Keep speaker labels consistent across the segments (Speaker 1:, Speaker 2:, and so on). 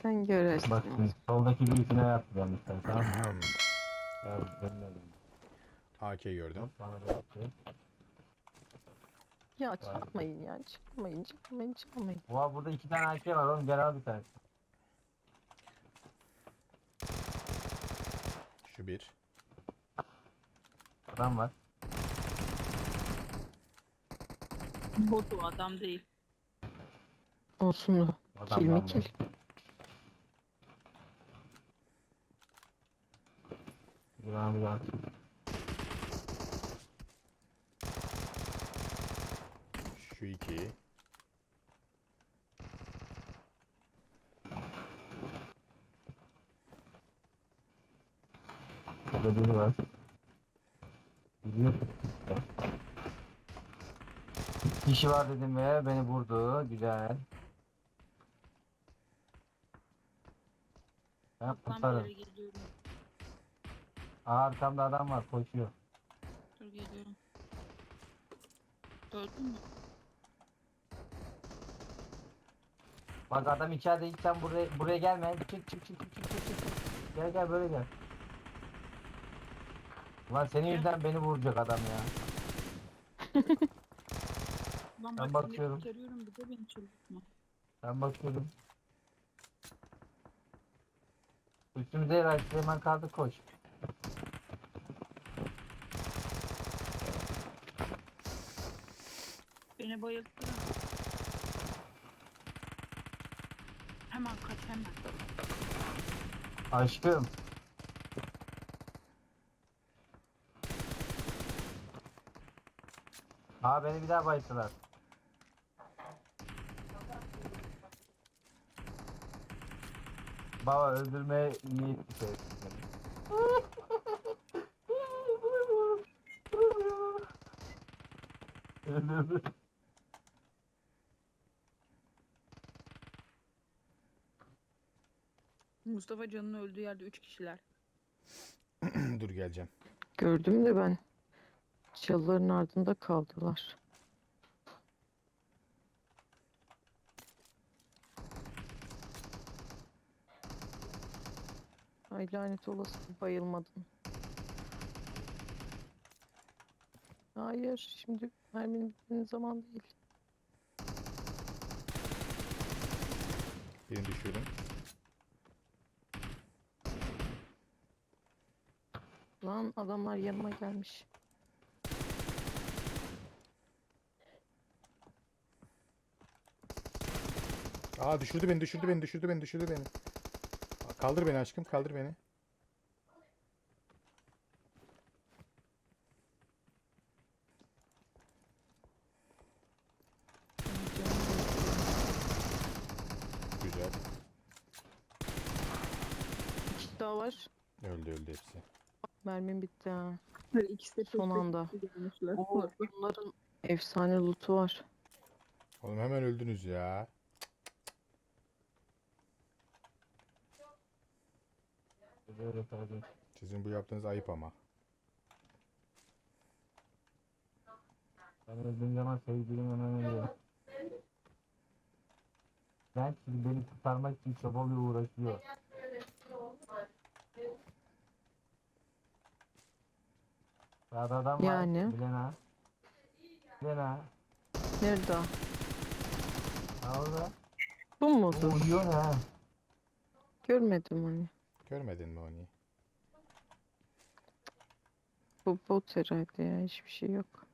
Speaker 1: Sen görürsün.
Speaker 2: Bak şimdi soldaki birisine yapacağım işte, tamam mı? Ya ben de öyleyim.
Speaker 3: AK gördüm.
Speaker 2: Hop, bana da yapıyor.
Speaker 1: Ya çalmayın ya. Çalmayın.
Speaker 2: Oha, burada 2 tane AK var oğlum, gel al bir tane.
Speaker 3: Şu bir.
Speaker 2: Adam var.
Speaker 4: Bot o adam değil.
Speaker 1: Olsun o.
Speaker 2: Adam
Speaker 1: Kill mi
Speaker 2: lan bu.
Speaker 1: kill?
Speaker 2: Güzel güzel.
Speaker 3: Şu iki.
Speaker 2: Burada biri var. Gidiyor. Kişi var dedim ve beni vurdu. Güzel. Ben
Speaker 4: Tam
Speaker 2: kurtarım.
Speaker 4: ileri geliyorum.
Speaker 2: Arkamda adam var, koşuyor.
Speaker 4: Dur geliyorum. Gördün mü?
Speaker 2: Bak adam içeride, hiç sen buraya gelme. Çık. Gel böyle gel. Ulan senin
Speaker 4: Gel.
Speaker 2: yüzünden beni vuracak adam ya.
Speaker 4: Ulan
Speaker 2: Ben
Speaker 4: bak seni
Speaker 2: bakıyorum.
Speaker 4: kurtarıyorum bir de beni çıldırtma.
Speaker 2: Ben bakıyorum. Üstümüze herhalde hemen kaldı, koş.
Speaker 4: Beni bayılttın. Hemen kaç hemen.
Speaker 2: Aşkım. Beni bir daha bayılttılar. Baba öldürmeye niyetli şey. Öldürdü.
Speaker 4: Mustafa Can'ın öldüğü yerde 3 kişiler.
Speaker 3: Dur geleceğim.
Speaker 1: Gördüm de ben. Çalıların ardında kaldılar. Ay lanet olası, bayılmadım. Hayır, şimdi merminin bitmenin zaman değil.
Speaker 3: Birini düşürdüm.
Speaker 1: Lan adamlar yanıma gelmiş.
Speaker 3: Aa düşürdü beni. Kaldır beni aşkım, kaldır beni. Güzel.
Speaker 1: Bir kişi daha var.
Speaker 3: Öldü hepsi.
Speaker 1: Mermim bitti ha.
Speaker 4: Böyle ikisi de
Speaker 1: Son anda.
Speaker 4: gelmişler.
Speaker 1: Oo, bunların efsane loot'u var.
Speaker 3: Oğlum hemen öldünüz ya.
Speaker 2: Böyle tabii.
Speaker 3: Sizin bu yaptığınız ayıp ama.
Speaker 2: Ben öldüğüm zaman sevgilim hemen ölüyor. Ben şimdi beni kurtarmak için çabalıyor, uğraşıyor. Sağda adam var.
Speaker 1: Yani.
Speaker 2: Bilena.
Speaker 1: Nerede o?
Speaker 2: Ha orada.
Speaker 1: Bu
Speaker 2: O
Speaker 1: mudur?
Speaker 2: uyuyor ha.
Speaker 1: Görmedim onu.
Speaker 3: Görmedin mi onu?
Speaker 1: Bu bot herhalde ya. Hiçbir şey yok.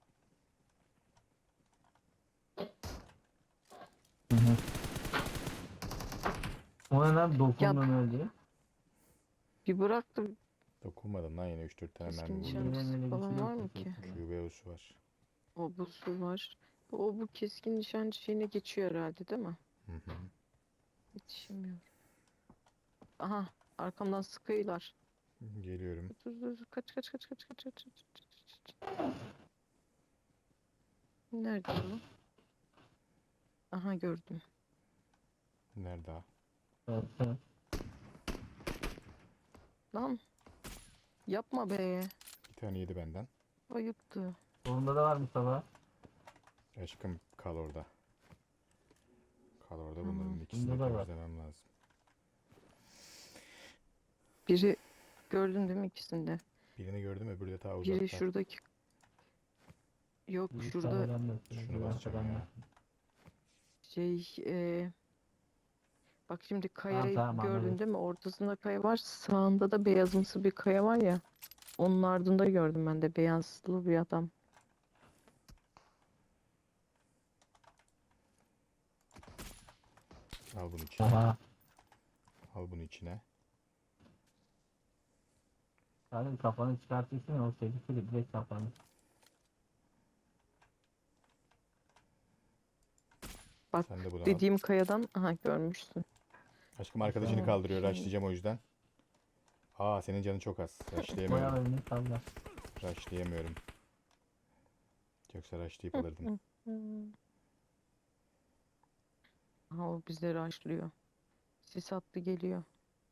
Speaker 2: O ne lan, dokundun
Speaker 1: Ya-
Speaker 2: öyle.
Speaker 1: Bir bıraktım.
Speaker 3: Dokunmadım lan, yine 3-4 tane
Speaker 1: Keskin
Speaker 3: mermi
Speaker 1: nişan.
Speaker 3: vurdum.
Speaker 1: Şanslısı falan var mı ki?
Speaker 3: QBO'su var.
Speaker 1: O busu var. Bu keskin nişancı şeyine geçiyor herhalde değil mi?
Speaker 3: Hı hı.
Speaker 1: Yetişemiyorum. Aha, arkamdan sıkıyorlar.
Speaker 3: Geliyorum.
Speaker 1: Dur. Kaç. Nerede o? Aha, gördüm.
Speaker 3: Nerede ha?
Speaker 2: Evet.
Speaker 1: Lan yapma be.
Speaker 3: Bir tane yedi benden.
Speaker 1: Ayıptı.
Speaker 2: Solunda da var Mustafa.
Speaker 3: Aşkım kal orada. Kal orada,
Speaker 1: Tamam.
Speaker 3: bunların ikisini de
Speaker 2: Bunda da var.
Speaker 3: temizlemem lazım.
Speaker 1: Biri gördün değil mi ikisinde?
Speaker 3: Birini gördüm, öbürü de ta
Speaker 1: Biri
Speaker 3: uzakta.
Speaker 1: şuradaki yok
Speaker 2: Bir
Speaker 1: şurada
Speaker 2: tane ben de yapıyorum,
Speaker 3: Şunu
Speaker 2: bir
Speaker 3: basacağım
Speaker 2: arkadan
Speaker 3: ya.
Speaker 2: da.
Speaker 1: şey bak şimdi
Speaker 2: Tamam
Speaker 1: kayayı
Speaker 2: tamam
Speaker 1: gördün
Speaker 2: anladım.
Speaker 1: değil mi? Ortasında kaya var. Sağında da beyazımsı bir kaya var ya. Onun ardında gördüm ben de beyazlı bir adam.
Speaker 3: Al bunu içine.
Speaker 2: Aha.
Speaker 3: Al bunu içine.
Speaker 2: Sadece kafanı çıkartırsın ya, o sevgisi direkt kafanı.
Speaker 1: Bak
Speaker 3: Sen de bunu al.
Speaker 1: dediğim kayadan aha görmüşsün.
Speaker 3: Aşkım arkadaşını
Speaker 2: Tamam.
Speaker 3: kaldırıyor.
Speaker 1: Şimdi-
Speaker 3: Rushlayacağım o yüzden. Aa, senin canın çok az.
Speaker 2: Boya
Speaker 3: Rushlayamıyorum.
Speaker 2: önünü salla.
Speaker 3: Rushlayamıyorum. Yoksa rushlayıp alırdım.
Speaker 1: Aha o bizleri açlıyor. Sis attı geliyor.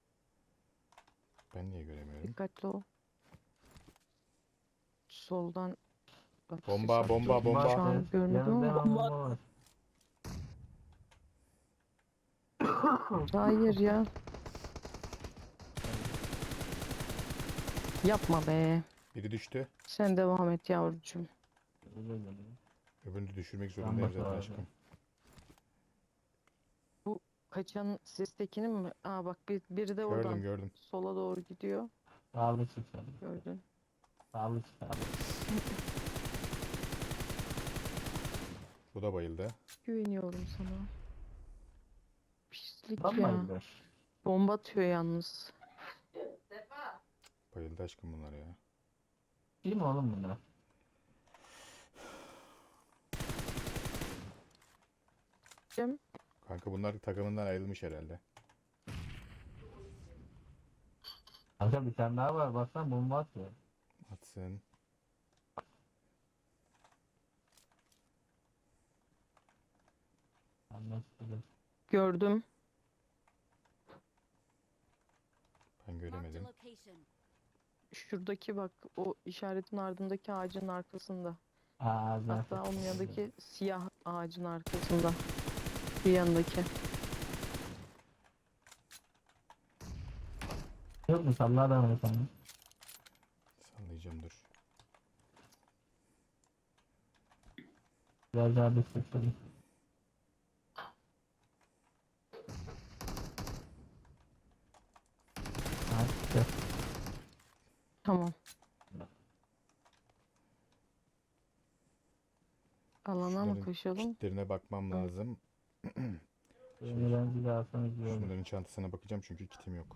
Speaker 3: Ben niye göremiyorum?
Speaker 1: Dikkatli ol. Soldan bak sis
Speaker 3: Bomba,
Speaker 1: attı.
Speaker 3: bomba, bomba.
Speaker 1: Şu an görmedim
Speaker 2: Yanında
Speaker 1: ama.
Speaker 2: hemen bomba var.
Speaker 1: Hayır ya. Yapma be.
Speaker 3: Biri düştü.
Speaker 1: Sen devam et yavrucuğum.
Speaker 2: Öyle geliyor.
Speaker 3: Öbürünü de düşürmek zorundayım zaten
Speaker 2: bakıyorum.
Speaker 3: aşkım.
Speaker 1: Kaçan sistekinin mi? Aa bak biri de oradan
Speaker 3: Gördüm, gördüm.
Speaker 1: sola doğru gidiyor.
Speaker 2: Sağlı çık sen.
Speaker 1: Gördün.
Speaker 2: Sağlı çık abi.
Speaker 3: Bu da bayıldı.
Speaker 1: Güveniyorum sana. Pislik
Speaker 2: Tamam
Speaker 1: ya.
Speaker 2: mı?
Speaker 1: Bomba atıyor yalnız.
Speaker 3: Bayıldı aşkım bunlar ya.
Speaker 2: Değil mi oğlum bunlar?
Speaker 1: Cem,
Speaker 3: Kanka bunlar takımından ayrılmış herhalde.
Speaker 2: Kanka bir tane daha var, baksana bomba atıyor.
Speaker 3: Atsın.
Speaker 2: Anlaşıldı.
Speaker 1: gördüm.
Speaker 3: Ben
Speaker 5: Marked a
Speaker 3: göremedim.
Speaker 5: location.
Speaker 1: Şuradaki bak o işaretin ardındaki ağacın arkasında.
Speaker 2: Aa zaten.
Speaker 1: Hatta onun yanındaki siyah ağacın arkasında. Bir yanındaki.
Speaker 2: Yok mu salla adamı sana?
Speaker 3: Sallayacağım dur.
Speaker 2: Biraz daha destekledim. Ha çıktı.
Speaker 1: Tamam. Alana mı
Speaker 3: Şunların
Speaker 1: koşalım?
Speaker 3: kitlerine bakmam
Speaker 1: Hı.
Speaker 3: lazım.
Speaker 2: Beni ben bir daha alsana iyi olur.
Speaker 3: Şunların çantasına bakacağım çünkü kitim yok.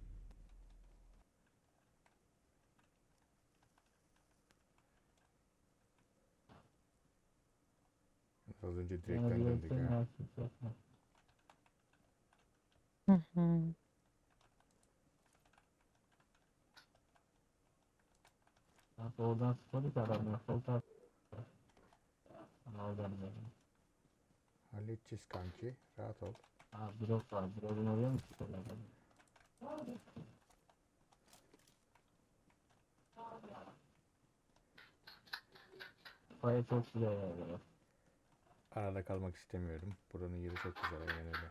Speaker 3: Az önce direkten
Speaker 2: Bana bir
Speaker 3: döndük
Speaker 2: ölçeğin
Speaker 3: ya.
Speaker 2: artık yapma.
Speaker 1: Hı hı.
Speaker 2: Bak oradan sıkıldık adamlar. Sol taraf. Oradan böyle.
Speaker 3: Halledeceğiz kanki. Rahat ol.
Speaker 2: Aa drop var. Drop'un oraya mı çıkıyorlar? Kafaya çok güzel yerler.
Speaker 3: Arada kalmak istemiyorum. Buranın yeri çok güzel, aynen öyle.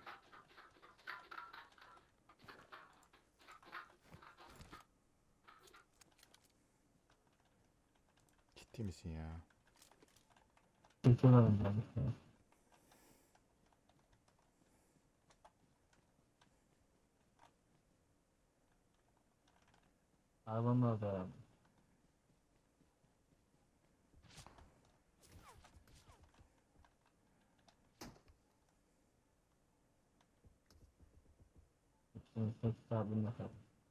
Speaker 3: Ciddi misin ya?
Speaker 2: Çekiyorlar ondan işte. Arabam orada abi. Şimdi 8 abim bakalım.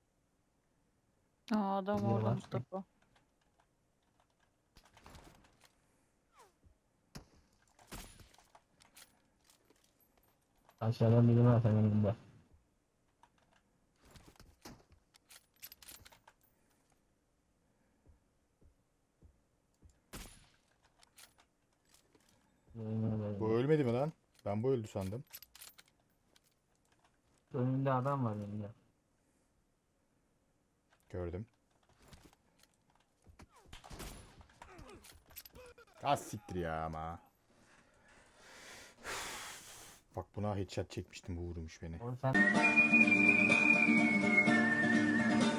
Speaker 4: Aa adam
Speaker 2: Gidiyor
Speaker 4: orada
Speaker 2: lan.
Speaker 4: Mustafa.
Speaker 2: Aşağıdan biri var senin önünde.
Speaker 3: Bu ölmedi mi lan? Ben bu öldü sandım.
Speaker 2: Önünde adam var önünde.
Speaker 3: Gördüm. Az siktir ya ama. Bak buna headshot çekmiştim, bu vurmuş beni.
Speaker 2: Oğlum sen